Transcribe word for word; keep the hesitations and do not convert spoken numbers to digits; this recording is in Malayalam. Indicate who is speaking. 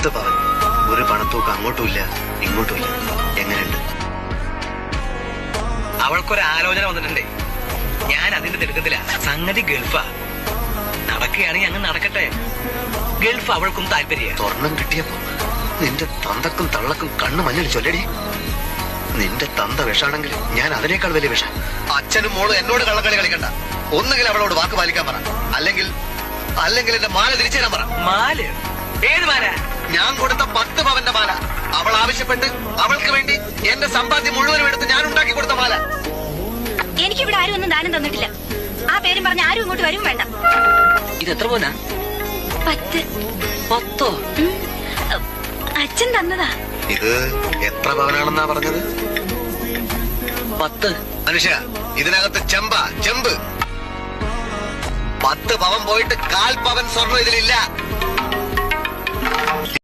Speaker 1: പത്ത് പവൻ, ഒരു പണത്തൂക്ക് അങ്ങോട്ടുമില്ല ഇങ്ങോട്ടുമില്ല. എങ്ങനെയുണ്ട്?
Speaker 2: അവൾക്കൊരു ആലോചന വന്നിട്ടുണ്ടേ. ഞാൻ അതിന്റെ തിടുക്കത്തില്ല. സംഗതി ഗൾഫാ. നടക്കുകയാണെങ്കിൽ അങ്ങ് നടക്കട്ടെ. ഗൾഫ് അവൾക്കും താല്പര്യ.
Speaker 1: സ്വർണം കിട്ടിയപ്പോ നിന്റെ തന്തക്കും തള്ളക്കും കണ്ണു മഞ്ഞൾ ചൊല്ലടി. നിന്റെ തന്ത വിഷാണെങ്കിൽ ഞാൻ അതിനേക്കാൾ വലിയ വിഷ. അച്ഛനും മോളും എന്നോട് കള്ളക്കളി കളിക്കണ്ട. ഒന്നുകിൽ അവളോട് വാക്ക് പാലിക്കാൻ പറ, അല്ലെങ്കിൽ അല്ലെങ്കിൽ എന്റെ മാല തിരിച്ചു തരാൻ പറ.
Speaker 2: മാല? ഏത് മാല?
Speaker 1: ഞാൻ കൊടുത്ത പത്ത് പവന്റെ മാല. അവൾ ആവശ്യപ്പെട്ട് അവൾക്ക് വേണ്ടി എന്റെ സമ്പാദ്യം മുഴുവനും എടുത്ത് ഞാൻ ഉണ്ടാക്കി കൊടുത്ത മാല.
Speaker 3: എനിക്കിവിടെ ആരും ഒന്നും ദാനം തന്നിട്ടില്ല. ആ പേരും പറഞ്ഞ് ആരും ഇങ്ങോട്ട് വരും വേണ്ട.
Speaker 2: ഇത് എത്ര പോനാ?
Speaker 3: പത്ത്.
Speaker 2: പത്തോ?
Speaker 3: അച്ഛൻ തന്നതാ.
Speaker 1: ഇത് എത്ര പവനാണെന്നാ പറഞ്ഞത്?
Speaker 2: പത്ത്.
Speaker 1: മനുഷ്യ, ഇതിനകത്ത് ചെമ്പ ചെമ്പ്. പത്ത് പവൻ പോയിട്ട് കാൽ പവൻ സ്വർണ്ണം ഇതിലില്ല.